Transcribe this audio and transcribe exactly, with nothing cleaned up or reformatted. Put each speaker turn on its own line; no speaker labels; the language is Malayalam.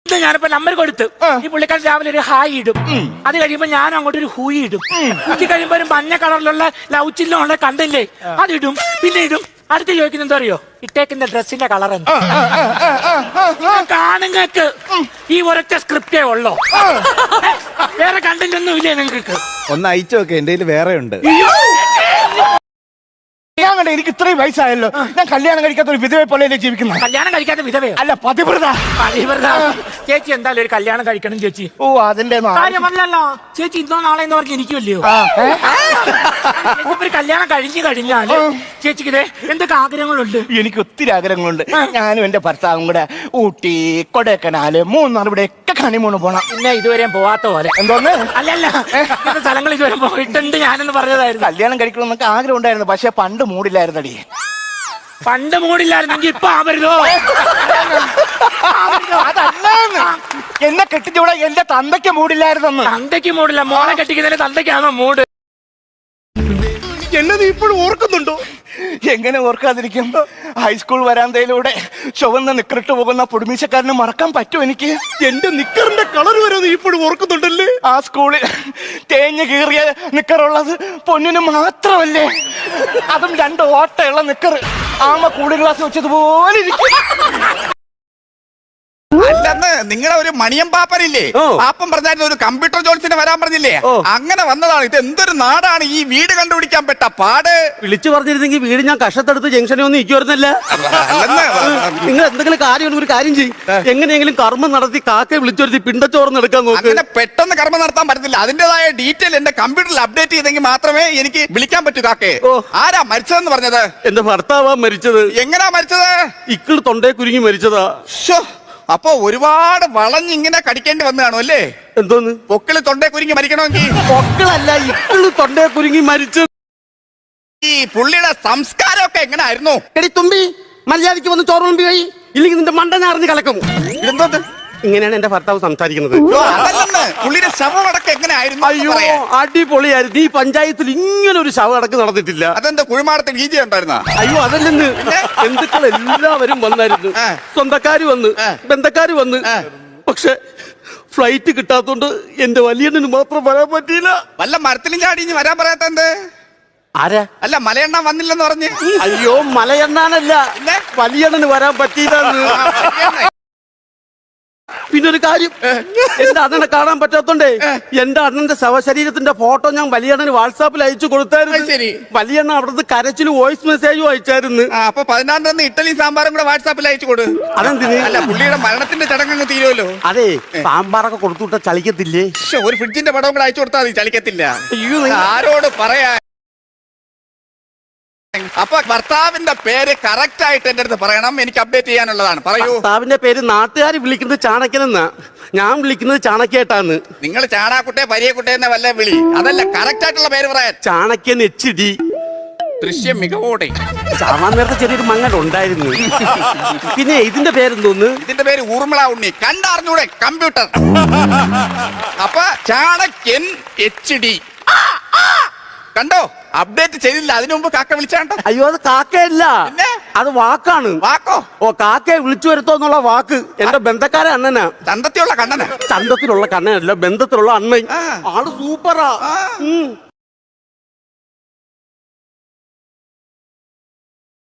ഞാനിപ്പോ നമ്പർ കൊടുത്തു. ഈ പുള്ളിക്കാരൻ രാവിലെ ഒരു ഹായ് ഇടും. അത് കഴിയുമ്പോ ഞാൻ അങ്ങോട്ട് ഒരു ഹൂയി ഇടും. ഉച്ച കഴിയുമ്പോ ഒരു മഞ്ഞ കളറിലുള്ള ലവ് ചില്ലുള്ള കണ്ടില്ലേ, അതിടും. പിന്നെ ഇടും. അടുത്ത് ചോദിക്കുന്നത് എന്താ അറിയോ, ഇട്ടേക്കുന്ന ഡ്രസ്സിന്റെ കളർ എന്താ? കാണുങ്ങൾക്ക് ഈ ഒരൊറ്റ സ്ക്രിപ്റ്റേ ഉള്ളോ? വേറെ കണ്ടന്റൊന്നും ഇല്ലേ നിങ്ങൾക്ക്?
ഒന്ന് അയച്ചു നോക്കെ, എന്റെ കയ്യിൽ വേറെ ഉണ്ട്.
ഞാൻ കണ്ട എനിക്ക് ഇത്രയും വയസ്സായല്ലോ, ഞാൻ കല്യാണം കഴിക്കാത്ത ഒരു വിധവയെ പോലെ ജീവിക്കുന്ന.
കല്യാണം കഴിക്കാത്ത വിധവയോ?
അല്ല, പതിവ്രത.
പതിവ്രത. ചേച്ചി എന്തായാലും ഒരു കല്യാണം കഴിക്കണം ചേച്ചി.
ഓ, അതിന്റെ
കാര്യമല്ലല്ലോ ചേച്ചി. ഇന്നോ നാളെ എന്ന് പറഞ്ഞ് ഇരിക്കുമല്ലയോ? ഒരു കല്യാണം കഴിഞ്ഞു കഴിഞ്ഞാല് ചേച്ചിക്ക് ഇതേ എന്തൊക്കെ ആഗ്രഹങ്ങളുണ്ട്?
എനിക്ക് ഒത്തിരി ആഗ്രഹങ്ങളുണ്ട്. ഞാനും എന്റെ ഭർത്താവും കൂടെ ഊട്ടി, കൊടൈക്കനാല്, മൂന്നാർ, ഇവിടെ ഒക്കെ ഹണിമൂണ് പോണം.
പിന്നെ ഇതുവരെ പോവാത്ത പോലെ.
എന്തോന്ന്?
അല്ലല്ല, സ്ഥലങ്ങൾ ഇതുവരെ പോയിട്ടുണ്ട് ഞാനെന്ന് പറഞ്ഞതായിരുന്നു.
കല്യാണം കഴിക്കണമെന്നൊക്കെ ആഗ്രഹം ഉണ്ടായിരുന്നു, പക്ഷെ പണ്ട് മൂടില്ലായിരുന്നടി.
പണ്ട് മൂടില്ലായിരുന്നെങ്കിൽ ഇപ്പൊ ആവരുതോ?
അതല്ല, എന്നെ കെട്ടിച്ചൂടെ എന്റെ തന്തയ്ക്ക് മൂടില്ലായിരുന്നെന്ന്.
തന്തയ്ക്ക് മൂടില്ല, മോളെ കെട്ടിക്കുന്നതിന് തന്തയ്ക്കാണോ മൂട്?
എന്നത് ഇപ്പോഴും ഓർക്കുന്നുണ്ടോ? എങ്ങനെ ഓർക്കാതിരിക്കും? ഹൈസ്കൂൾ വരാന്തയിലൂടെ ചുവന്ന നിക്കറിട്ട് പോകുന്ന പൊടിമീശക്കാരനെ മറക്കാൻ പറ്റും എനിക്ക്? എന്റെ നിക്കറിന്റെ കളർ വരെ ഇപ്പോഴും ഓർക്കുന്നുണ്ടല്ലേ? ആ സ്കൂളിൽ തേഞ്ഞ് കീറിയ നിക്കറുള്ളത് പൊന്നിന് മാത്രമല്ലേ? അതും രണ്ട് ഓട്ടയുള്ള നിക്കർ ആമ കൂളിംഗ് ഗ്ലാസ് വെച്ചതുപോലെ ഇരിക്കും.
അല്ലെന്ന് നിങ്ങളെ ഒരു മണിയം പാപ്പനില്ലേ, പാപ്പൻ പറഞ്ഞായിരുന്നു ഒരു കമ്പ്യൂട്ടർ ജോൺസിന് വരാൻ പറഞ്ഞില്ലേ, അങ്ങനെ വന്നതാണ്. ഇത് എന്തൊരു നാടാണ്, ഈ വീട് കണ്ടുപിടിക്കാൻ പെട്ട പാട്.
വിളിച്ചു പറഞ്ഞിരുന്നെങ്കിൽ വീട് ഞാൻ കഷത്തെടുത്ത് ജംഗ്ഷനിൽ ഒന്നും ഇരിക്കുവായിരുന്നല്ല. നിങ്ങൾ എന്തെങ്കിലും കാര്യം ഒരു കാര്യം ചെയ്യും, എങ്ങനെയെങ്കിലും കർമ്മം നടത്തി കാക്കയെ വിളിച്ചൊരുത്തി പിണ്ടച്ചോർന്ന് എടുക്കാൻ നോക്ക്.
അങ്ങനെ പെട്ടെന്ന് കർമ്മം നടത്താൻ പറ്റത്തില്ല. അതിന്റേതായ ഡീറ്റെയിൽ എന്റെ കമ്പ്യൂട്ടറിൽ അപ്ഡേറ്റ് ചെയ്തെങ്കിൽ മാത്രമേ എനിക്ക് വിളിക്കാൻ പറ്റൂ കാക്കയെ. ആരാ മരിച്ചതെന്ന് പറഞ്ഞത്?
എന്റെ ഭർത്താവാ മരിച്ചത്.
എങ്ങനാ മരിച്ചത്?
ഇക്കിള് തൊണ്ടേ കുരുങ്ങി മരിച്ചതാ.
അപ്പൊ ഒരുപാട് വളഞ്ഞിങ്ങനെ കടിക്കേണ്ടി വന്നു കാണും അല്ലേ?
എന്തോന്ന്?
പൊക്കിള് തൊണ്ടേ കുരുങ്ങി മരിക്കണമെങ്കിൽ?
പൊക്കിളല്ല, ഇക്കിള് തൊണ്ടേ കുരുങ്ങി മരിച്ചു.
ഈ പുള്ളിയുടെ സംസ്കാരമൊക്കെ എങ്ങനായിരുന്നു?
എടി തുമ്പി, മര്യാദയ്ക്ക് വന്ന് ചോറ് മുമ്പി പോയി, ഇല്ലെങ്കിൽ നിന്റെ മണ്ട ഞാറിഞ്ഞ് കളക്കും.
എന്തോന്ന്?
ഇങ്ങനെയാണ് എന്റെ ഭർത്താവ് സംസാരിക്കുന്നത്.
പുള്ളിയുടെ ശവമടക്കം എങ്ങനെയായിരുന്നു?
അയ്യോ, അടിപൊളിയായിരുന്നു. ഈ പഞ്ചായത്തിൽ ഇങ്ങനെ ഒരു ശവമടക്ക് നടന്നിട്ടില്ല.
അതെന്താ കുഴിമാടത്തിൽ ഗീജ ഉണ്ടായിരുന്ന?
അയ്യോ, അതല്ലെന്ന്. ബന്ധുക്കൾ എല്ലാവരും വന്നായിരുന്നു. സ്വന്തക്കാര് വന്ന്, ബന്ധക്കാര് വന്ന്. പക്ഷെ ഫ്ലൈറ്റ് കിട്ടാത്തോണ്ട് എന്റെ വലിയണ്ണന് മാത്രം വരാൻ പറ്റിയില്ല.
വല്ല മരത്തിലും ചാടി ഇനി വരാൻ പറയാത്ത എന്ത്?
ആരാ?
അല്ല, മലയെണ്ണ വന്നില്ലെന്ന് പറഞ്ഞ്.
അയ്യോ, മലയെണ്ണാനല്ല, വലിയണ്ണന് വരാൻ പറ്റിയില്ല. പിന്നെ ഒരു കാര്യം, എന്റെ അണ്ണനെ കാണാൻ പറ്റാത്തോണ്ടേ എന്റെ അണ്ണന്റെ ശവശരീരത്തിന്റെ ഫോട്ടോ ഞാൻ വലിയണ്ണന് വാട്സാപ്പിൽ അയച്ചു കൊടുത്തായിരുന്നു. വലിയണ്ണ അവിടുത്തെ കരച്ചിൽ വോയിസ് മെസ്സേജും അയച്ചായിരുന്നു.
അപ്പൊ പതിനാറിന് തന്നെ ഇഡ്ഡലിയും സാമ്പാറും കൂടെ വാട്സാപ്പിൽ അയച്ചു കൊടു.
അതെന്തിന്?
അല്ല, പുള്ളിയുടെ മരണത്തിന്റെ ചടങ്ങ് തീരുമല്ലോ.
അതെ, സാമ്പാറൊക്കെ കൊടുത്തുവിട്ട ചളിക്കത്തില്ലേ?
ഒരു ഫ്രിഡ്ജിന്റെ പടവും കൂടെ അയച്ചു കൊടുത്താൽ മതി, ചളിക്കത്തില്ല.
അയ്യോ,
ആരോട് പറയാ? അപ്പൊ ഭർത്താവിന്റെ പേര് കറക്റ്റ് ആയിട്ട് എന്റെ അടുത്ത് പറയണം, എനിക്ക് അപ്ഡേറ്റ് ചെയ്യാനുള്ളതാണ്. പറയൂ.
ഭർത്താവിന്റെ പേര് നാട്ടുകാർ വിളിക്കുന്നത് ചാണക്യനെന്നാ, ഞാൻ വിളിക്കുന്നത് ചാണക്യേട്ടാന്ന്.
നിങ്ങൾ ചാണാക്കുട്ടെ പരിയക്കുട്ടെ എന്ന വല്ല വിളി, അതല്ല കറക്റ്റ് ആയിട്ടുള്ള പേര് പറയാൻ.
Chanakyan H D.
ദൃശ്യം മികവോടെ.
ചാവാൻ നേരത്തെ ചെറിയൊരു മങ്ങൽ ഉണ്ടായിരുന്നു. പിന്നെ ഇതിന്റെ പേരെന്തോന്ന്?
ഇതിന്റെ പേര് ഊർമിള ഉണ്ണി. കണ്ടറിഞ്ഞൂടെ കമ്പ്യൂട്ടർ? അപ്പൊ ചാണക്യൻ എച്ച് ഡി കണ്ടോ? അപ്ഡേറ്റ് ചെയ്തില്ല, അതിനു മുമ്പ് കാക്ക വിളിച്ചാണ്ടോ?
അയ്യോ, അത് കാക്കയല്ല, അത് വാക്കാണ്.
വാക്കോ? ഓ,
കാക്കയെ വിളിച്ചു വരുത്തോന്നുള്ള വാക്ക് എന്റെ ബന്ധക്കാരെ അണ്ണനാ.
ചന്തത്തിലുള്ള കണ്ണനാ?
ചന്തത്തിലുള്ള കണ്ണനല്ല, ബന്ധത്തിലുള്ള അണ്ണൻ. ആള് സൂപ്പറാ.